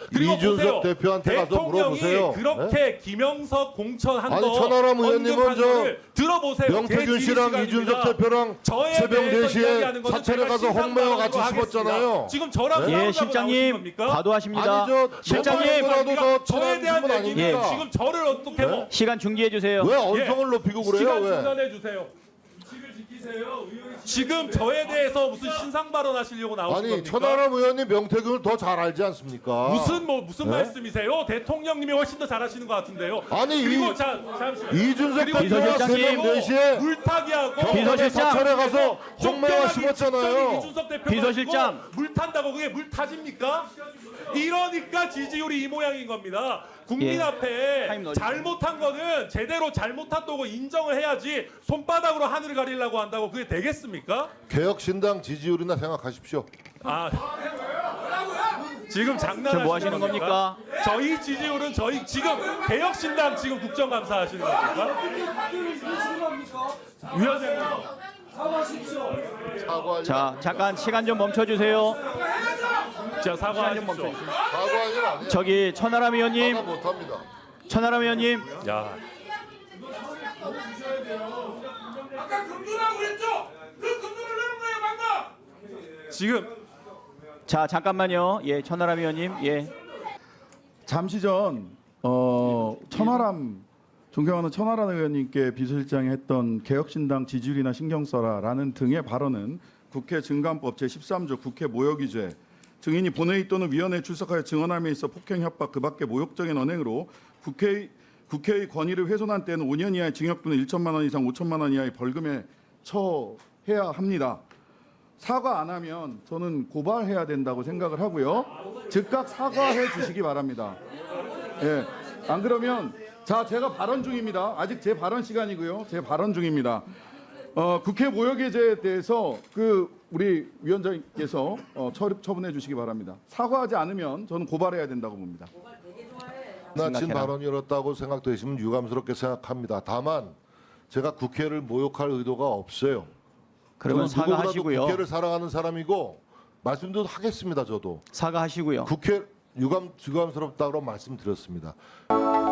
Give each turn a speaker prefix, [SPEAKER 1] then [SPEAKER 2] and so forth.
[SPEAKER 1] 그리고
[SPEAKER 2] 이준석
[SPEAKER 1] 보세요.
[SPEAKER 2] 대표한테 가서 물어보세요.
[SPEAKER 1] 그렇게 김영석 공천한
[SPEAKER 2] 아니,
[SPEAKER 1] 거
[SPEAKER 2] 천하람 의원님은
[SPEAKER 1] 언급한
[SPEAKER 2] 저
[SPEAKER 1] 거를 들어보세요.
[SPEAKER 2] 명태균
[SPEAKER 1] 제
[SPEAKER 2] 씨랑
[SPEAKER 1] 지휘
[SPEAKER 2] 이준석
[SPEAKER 1] 시간입니다.
[SPEAKER 2] 대표랑
[SPEAKER 1] 저에
[SPEAKER 2] 새벽
[SPEAKER 1] 대해서
[SPEAKER 2] 4시에
[SPEAKER 1] 이야기하는 거는
[SPEAKER 2] 사찰에
[SPEAKER 1] 제가
[SPEAKER 2] 가서 홍매와 같이
[SPEAKER 1] 신상방으로
[SPEAKER 2] 씹었잖아요.
[SPEAKER 1] 하겠습니다. 지금 저랑
[SPEAKER 2] 네?
[SPEAKER 1] 싸우자고
[SPEAKER 3] 예,
[SPEAKER 1] 나오신
[SPEAKER 3] 실장님
[SPEAKER 1] 겁니까?
[SPEAKER 3] 과도하십니다.
[SPEAKER 2] 아니 저
[SPEAKER 3] 실장님
[SPEAKER 2] 너무나도 더
[SPEAKER 1] 저에
[SPEAKER 2] 친한
[SPEAKER 1] 대한
[SPEAKER 2] 분은
[SPEAKER 1] 얘기는
[SPEAKER 2] 아닙니까?
[SPEAKER 1] 지금 저를 어떻게 뭐
[SPEAKER 3] 시간 중지해 주세요.
[SPEAKER 2] 왜 언성을 높이고 그래요?
[SPEAKER 1] 시간
[SPEAKER 2] 왜?
[SPEAKER 1] 중단해 주세요. 지금 저에 대해서 무슨 신상 발언하시려고 나오신
[SPEAKER 2] 아니
[SPEAKER 1] 겁니까?
[SPEAKER 2] 천하람 의원님 명태균을 더 잘 알지 않습니까?
[SPEAKER 1] 무슨
[SPEAKER 2] 네?
[SPEAKER 1] 말씀이세요? 대통령님이 훨씬 더 잘하시는 것 같은데요.
[SPEAKER 2] 아니,
[SPEAKER 1] 그리고
[SPEAKER 2] 이-
[SPEAKER 1] 잠시만.
[SPEAKER 2] 이준석
[SPEAKER 1] 그리고
[SPEAKER 2] 대표가
[SPEAKER 3] 비서실장님.
[SPEAKER 2] 새벽 4시에
[SPEAKER 1] 물타기하고
[SPEAKER 2] 경찰에 사찰에 가서 홍매와 심었잖아요.
[SPEAKER 1] 이준석 대표가
[SPEAKER 3] 비서실장.
[SPEAKER 1] 물 탄다고 그게 물 타집니까? 이러니까 지지율이 이 모양인 겁니다. 국민
[SPEAKER 3] 예.
[SPEAKER 1] 앞에
[SPEAKER 3] 타임 넣어주세요.
[SPEAKER 1] 잘못한 거는 제대로 잘못한다고 인정을 해야지 손바닥으로 하늘을 가리려고 한다고 그게 되겠습니까?
[SPEAKER 2] 개혁신당 지지율이나 생각하십시오.
[SPEAKER 1] 아, 지금 장난하시는
[SPEAKER 3] 지금 뭐 하시는 겁니까?
[SPEAKER 1] 저희 지지율은 저희 지금 개혁신당 지금 국정감사 하시는 겁니까? 위원장님.
[SPEAKER 3] 자, 잠깐 시간 좀 멈춰 주세요.
[SPEAKER 1] 자, 사과하십시오.
[SPEAKER 2] 사과하기는 아니에요.
[SPEAKER 3] 저기 천하람 의원님,
[SPEAKER 2] 사과 못합니다.
[SPEAKER 3] 천하람 의원님.
[SPEAKER 1] 야,
[SPEAKER 4] 아까 금도라고 그랬죠? 그 금도를 내는 거예요, 방금.
[SPEAKER 1] 지금
[SPEAKER 3] 자, 잠깐만요. 예, 천하람 의원님. 예.
[SPEAKER 5] 잠시 전 천하람 존경하는 천하람 의원님께 비서실장이 했던 개혁신당 지지율이나 신경 써라라는 등의 발언은 국회 증감법 제13조 국회 모욕위죄 증인이 본회의 또는 위원회에 출석하여 증언함에 있어 폭행, 협박, 그밖에 모욕적인 언행으로 국회의 권위를 훼손한 때는 5년 이하의 징역 또는 1천만 원 이상 5천만 원 이하의 벌금에 처해야 합니다. 사과 안 하면 저는 고발해야 된다고 생각을 하고요. 즉각 사과해 주시기 바랍니다. 예. 안 그러면 자, 제가 발언 중입니다. 아직 제 발언 시간이고요. 제 발언 중입니다. 국회 모욕죄에 대해서 우리 위원장님께서 처분해 주시기 바랍니다. 사과하지 않으면 저는 고발해야 된다고 봅니다.
[SPEAKER 2] 지나친
[SPEAKER 3] 생각해라.
[SPEAKER 2] 발언이었다고 생각되시면 유감스럽게 생각합니다. 다만 제가 국회를 모욕할 의도가 없어요.
[SPEAKER 3] 그러면
[SPEAKER 2] 저는 누구보다도
[SPEAKER 3] 사과하시고요.
[SPEAKER 2] 국회를 사랑하는 사람이고 말씀도 하겠습니다. 저도
[SPEAKER 3] 사과하시고요.
[SPEAKER 2] 국회 유감스럽다고 말씀드렸습니다.